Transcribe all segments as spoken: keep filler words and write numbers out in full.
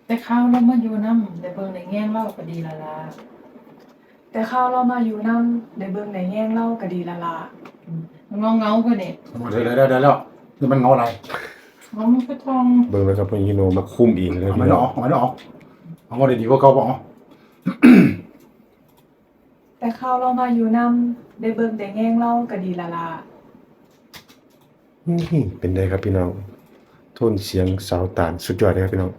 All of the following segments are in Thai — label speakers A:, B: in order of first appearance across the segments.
A: แต่ข้าวเรามาอยู่นำได้เบิ่งได้แยงเล่าก็ดีและล่ะ
B: แต่ข้าวเรามาอยู่นำได้เบิ่งได้แยงเล่าก็ดีและล่ะ
A: อืมเงาๆกว่านี่
C: เดี๋ยวเดี๋ยวเดี๋ยวแล้วนี่มันเงาอะไร
A: เงามันคือทอง
D: เบิ่งแล้วครับพี่โนมาคุมเองเลย
C: เอา
D: พี่
C: ไม่
D: น้
C: อ
D: อง
C: อกเอาไม่ออกเอาเงาดีๆกว่าเก่าบ่เอา
B: แต่ข้าวเรามาอยู่นำได้เบิ่งได้แยงเล่าก็ดีและล่ะ
D: นี่เป็นไงครับพี่น้องโทนเสียงสาวตาลสุดยอดเลยครับพี่น้อง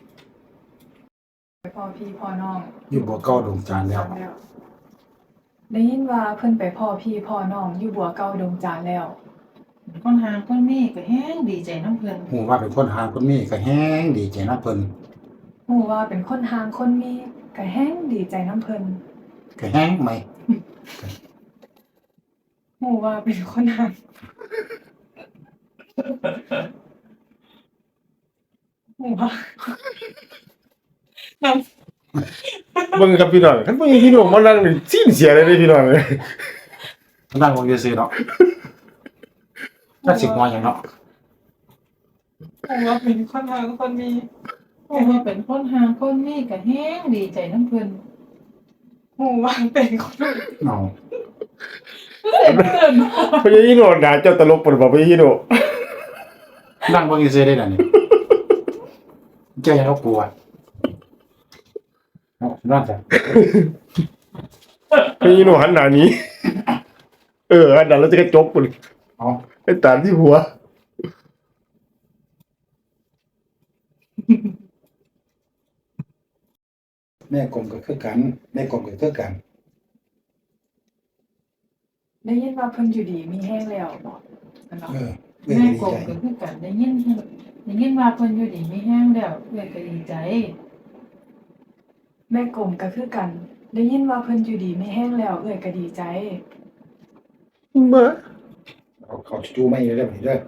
B: ไปพ่อพี่พ่อน้อง
C: อยู่บ่เก่าดวงจันทร์แล้ว
B: ได้ยินว่าเพิ่นไปพ่อพี่พ่อน้องอยู่บัวเก่าดงจานแล้ว
A: คนหางคนมีก็แฮงดีใจนำเพิ่น
C: ฮู้ว่าเป็นคนหาคนนี้ก็แฮงดีใจนำเพิ่น
B: ฮู้ว่าเป็นคนห่างคนมีก็แฮงดีใจนำเพิ่น
C: ก็แฮงไหม
B: ฮู้ว่าเป็นคนห่างฮู้ว่า นำ
D: เบิ่งครับพี่น้องคันบ่มีพี่น้องมานั่งนี่สิ้นเสียเลยเด้พี่น้องเอ้ย
C: นั่งวงซื่อๆเนาะน่าสิหัวหยังเนาะ
B: ฮู้ว่าเป็นคนห่างคนมี
A: เพราะว่าเป็นคนหางคนมีก็แฮงดีใจนำเพิ่น
B: ฮู้ว่าเป็นคน
C: เนาะ
A: เสร็จเพิ่น
D: พี่โนด่าเจ้าตลกปนบ่พี่โน
C: นั่งวงซื่อๆได้นั่นนี่เจ้ายังเอากลัวเนาะนั่นจ้ะ
D: พี่โนหันหน้าหนี้เออหันหน้าแล้วจะกระจกพุ่น
C: เอา
D: ไอ้ตาลที่หัว
C: แม่กลมก็คือกันแม่กลมก็คือกัน
B: ได้ยินว่าเพิ่นอยู่ดีมีแห้งแล้วบ่นั่นเนาะ
C: เออเอ้ย
A: แม่
C: ดี
A: กบ
C: ใจ
A: ก็คือกันได้ยินได้ยินว่าเพิ่นอยู่ดีมีแฮงแล้วเอื้อยก็ดีใจ
B: แม่กลมก็คือกัน ได้ยินว่าเพิ่นอยู่ดีมีแห้งแล้วเอ้ยก็ดีใจ
D: มา
C: เอาเขาจูๆไม่ได้อบัดนี้เด้อ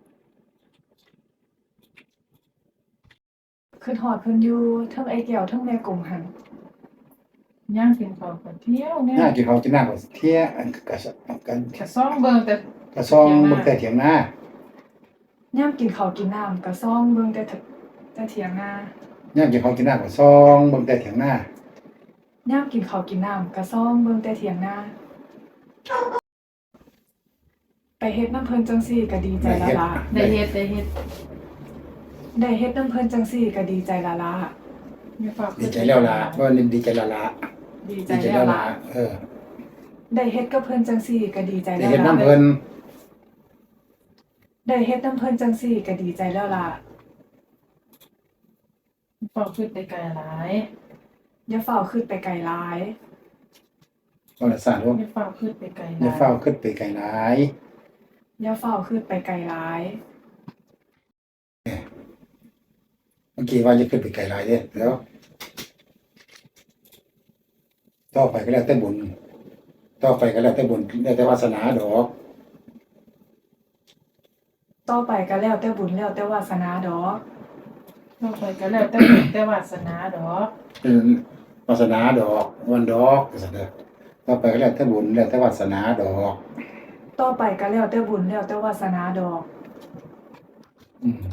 B: คือฮอดเพิ่นอยู่เทิงไอ้แก้วเทิงแม่กลมหั่น
A: ย่างกินข้าวก็เที่ยวเนี่ย
C: หน้ากินข้าวกินน้ำก็เที่ยอันก็สกัน
A: แค่ซ่องเบิ่งแต่
C: กระซองเบิ่งแต่เถียงหน้าย
B: ามกินข้าวกินน้ำก็ซ่องเบิ่งแต่เถแต่เถียงนา
C: ย่ามกินข้าวกินน้ำก็ซองเบิ่งแต่เถียงหน้าย
B: ามกินข้าวกินน้ำก็ซ่องเบิ่งแต่เถียงนาไปเฮ็ดน้ำเพิ่นจังซี่ก็ดีใจละล่ะ
A: ได้เฮ็ดได้เฮ็ด
B: ได้เฮ็ดน้ำเพิ่นจังซี่ก็ดีใจละล่ะ
A: มีฝาก
C: ดีใจแล้วล่ะว่านี่ดีใจแล้วล่ะ
B: ดีใจ
C: ดีใจ
B: แล้
C: แล้ว ว
B: ล่ะ
C: ล่ะเออ
B: ได้เฮ็ดกับเพิ่นจังซี่ก็ดีใจ
C: ได้
B: แล้ว
C: เฮ็ด
B: ล่ะ
C: น้ำเพิ่น
B: ได้เฮ็ดน้ำเพิ่นจังซี่ก็ดีใจแล้วล่ะ
A: มีฝากขึ้นไปไกลหลาย
B: อย่าเฝ้าขึ้นไปไกลหลาย
C: บ่ได้สร้างลูก
A: มีฝากขึ้นไปไกลห
C: อย่า
A: ลาย
C: เฝ้าขึ้นไปไกลหลาย
B: อย่าเฝ้าขึ้นไปไกลหลาย
C: เมื่อกี้ว่าจะขึ้นไปไกลหลายเด้อแล้วต่อไปก็แล้วแต่บุญต่อไปก็แล้วแต่บุญแล้วแต่วาสนาดอก
B: ต่อไปก็แล้วแต่บุญแล้วแต่วาสนาดอก
A: ต่อไปก็แล้วแต่บุญแต่วาสนาดอก
C: เป็นวาสนาดอกวันดอกว่าซั่นเด้อต่อไปก็แล้วแต่บุญแล้วแต่วาสนาดอก
B: ต่อไปก็แล้วแต่บุญแล้วแต่วาสนาดอก
C: อืม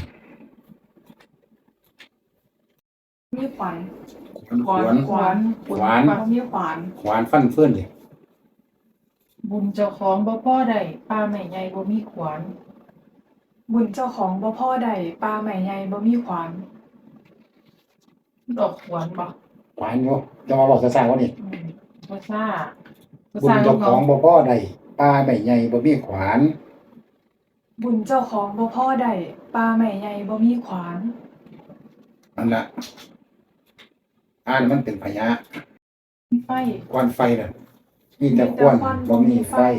B: มีขวัญ
C: ขวาน
B: ขวาน
C: ขวาน
B: บ่มีขวาน
C: ขวานฟันเฟื่อนดิ
A: บุญเจ้าของบ่พอได้ป้าแม่ใหญ่บ่มีขวาน
B: บุญเจ้าของบ่พอใดปลาใหม่ใหญ่บ่มีขวาน
A: ดอกขวานบ่
C: ขวานอยู่จะมาบอกซะๆว่านี่
A: อืมบ่ซ่าบ่
C: บุญ
A: ซ่า
C: เจ้าของ
A: บ่
C: บ่พ่อใดปลาไม่ใหญ่บ่มีขวาน
B: บุญเจ้าของบ่พอใดปลาใหม่ใหญ่บ่มีขวาน
C: นั่นล่ะอ่านมันเป็นพยะ
A: มีไฟ
C: ควันไฟน่ะมีแต่ควันบ่มีไฟ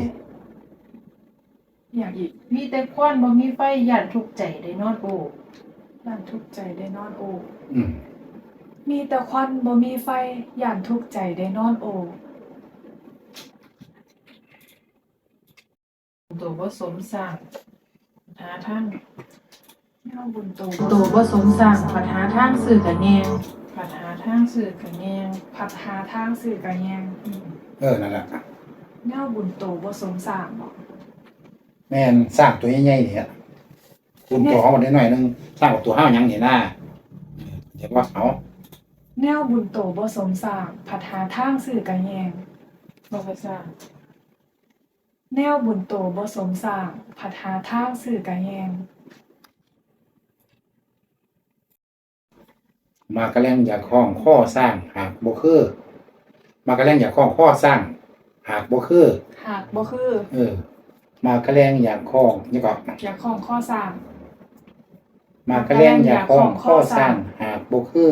B: อย่างอีก
A: มีแต่ควันบ่มีไฟย่านทุกข์ใจได้นอนโอ้
B: ย่านทุกข์ใจได้นอนโอ
C: อืม
B: มีแต่ควันบ่มีไฟย่านทุกข์ใจได้นอนโอ
A: ตัวบ่สมสร้างหาทาง
B: แนวบุญโต
A: ตัวบ่สมสร้างปัญหาทางสื่อกันแยงปัญหาทางสื่อกันแยง
B: พัดหาทางสื่อกะแยง
A: อืม
C: เออนั่นล่ะ
B: แนวบุญโตบ่สมสร้างบ่
C: แม่นสร้างตัวใหญ่ๆนี่ฮะบุญตัวของมันได้หน่อยนึงสร้างกับตัวห้าวหยังนี่นะเห็นว่าเอา
B: แนวบุญโตบ่สมสร้างผัดหาทางซื้อกะแยง
A: บ่ค่อยทราบ
B: แนวบุญโตบ่สมสร้างผัดหาทางซื้อกะแยง
C: มากระแลงอยากคล้องข้อสร้างหากบ่คือมากระแลงอยากคล้องข้อสร้างหากบ่คือ
B: หากบ่คือ
C: เออ มากระแลงอยากคล้องนี่ก็
B: อยากของข้อสร้าง
C: มากระแลงอยากคล้องข้อสร้างหากบ่คือ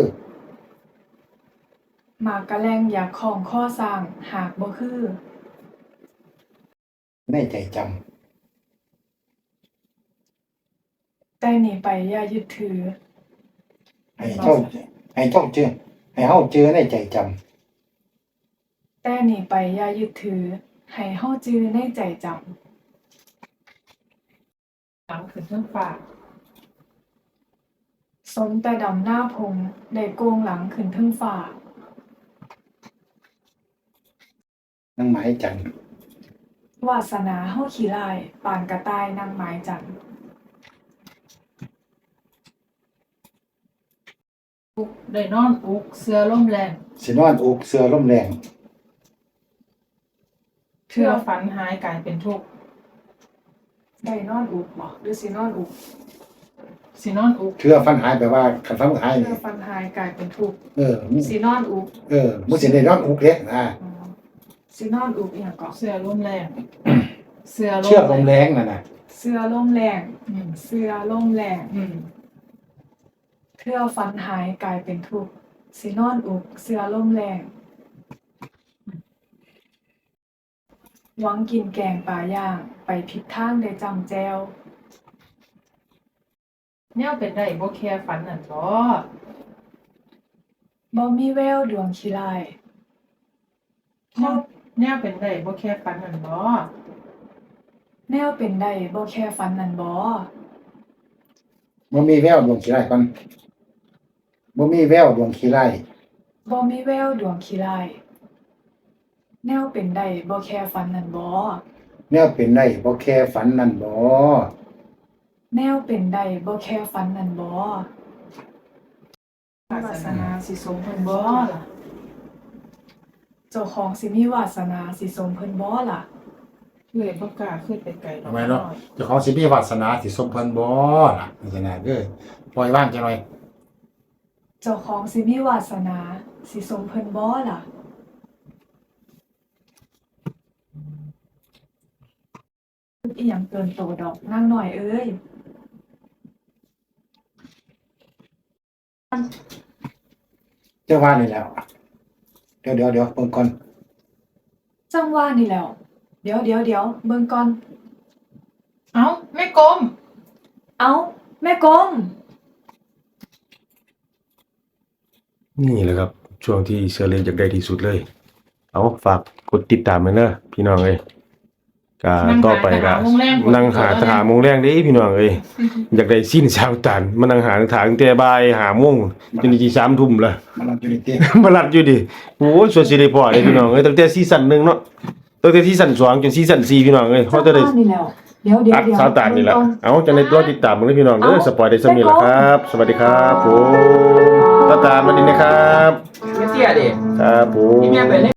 B: หมากกะแลงอยากของข้อสร้างหากบ่คือ
C: ในใจจำ
B: แต่หนีไปอย่ายึดถือ
C: ให้เจ้าให้เจ้าเจอให้เฮาเจอในใจจำ
B: แต่หนีไปอย่ายึดถือ ให้เฮาจือในใจจำ
A: หลังขึ้นเรื่องฟ้า
B: สมแต่ดำหน้าพงได้โกงหลังขึ้นเทึงฟ้า
C: นั่งหมายจันทร์
B: วาสนาเฮาขี้ร้ายปานกระต่ายนางไม้จันทร์
A: อุกได้นอนอุกเสือลมแรง
C: สินอนอกเสือลมแรง
A: เชื่อฝันหายกลายเป็นทุกข์
B: ได้นอนอุกบ่หรือสินอนอุก
A: สินอนอุก
C: เชื่อฟันหายแปลว่าคันฟันหาย
B: เพื่
C: นี่
B: อฟันหายกลายเป็นทุกข์
C: เออมึง
B: สินอนอุก
C: เออมึงสิได้นอนอกเด้อ่า
B: อ๋อสินอนอุกอีหยังก็
A: เสือลมแรงเสือลม
C: เชื่อลมแรงนั่นน่ะ
B: เสื้อลมแรง
A: อืม
B: เสื้อลมแรง
A: อืม
B: เพื่อฟันหายกลายเป็นทุกข์สินอนอุกเสื้อลมแรงหวังกินแกงปลาย่างไปผิดทางได้จำแจว
A: แนวเป็นได้บ่แค่ฝันนั่นบ่
B: บ่มีแววดวงขี้ร้าย
A: แนวแนวเป็นได้บ่แค่ฝันนั่นบ่
B: แนวเป็นได้บ่แค่ฝันนั่นบ่
C: บ่มีแววดวงขี้ไร่ก่อนบ่มีแววดวงขี้ไร่
B: บ่มีแววดวงขี้ร้ายแนวเป็นได้บ่แค่ฝันนั่นบ่
C: แนวเป็นได้บ่แค่ฝันนั่นบ่
B: แนวเป็นได้บ่แค่ฝันนั่นบ่วาสนาสิสมเพิ่นบ่
A: บ่
B: ล่ะ
A: ล่ะ
B: เจ้าของสิมีวาสนาสิสมเพิ่นบ่ล่ะ
A: เอ้ยบ่กล้าขึ้นไปไกลดอก
C: ทำไมเนาะเจ้าของสิมีวาสนาสิสมเพิ่นบ่ล่ะวาสนาเด้อปล่อยว่างจังหน่อย
B: เจ้าของสิมีวาสนาสิสมเพิ่นบ่ล่ะอีหยังเกินโตดอกนางน้อยเอ้ย
C: เจ้าว่านี่แล้วเดี๋ยวเดี๋ยวเดี๋ยวเบิ่งก่อน
B: จังว่านี่แหล้ว เดี๋ยวเดี๋ยวเดี๋ยวเบิ่งก่อน
A: เอ้าแม่กลม
B: เอ้า แม่กลม
D: นี่แหละครับ ช่วงที่เสือเล่นอยากได้ที่สุดเลย เอาฝากกดติดตามไว้เด้อพี่น้องเอ้ยก็ต่อไปก็นั่งหาทหารโมงแรงเด้พี่น้องเอ้ยอยากได้สิ้นชาวตันมานั่งหาทางตั้งแต่บ่ายห้าโมงจนถึงสามทุ่มแล้ว
C: มันรับอยู่ในเตียง
D: มาลัดอยู่ดิโอ้ยส่วนสิได้พอเด้พี่น้องเอ้ยตั้งแต่ซีซั่นหนึ่งเนาะตั้งแต่ซีซั่นสองจนซีซั่นสี่พี่น้องเอ้ย
B: จั
D: เฮาง จะ
B: ว่า
D: ได้
B: นี่แหล้ว เดี๋ยวเดี๋ยว
D: อัด
B: เดี๋ยว
D: ชาวตันนี่แหละ
B: เบิ่งก่อ
D: เอาจังได๋รอติดตามมึงเด้อพี่น้องเด้อ
B: เอ้า
D: สปอยได้ซั่นนี้ล่ะครับ สวัสดีครับผมชาวตันสวัสดีนะครับ
E: ไม่เสียดิ
D: ครับผม
E: ที่แม่ไปเล่น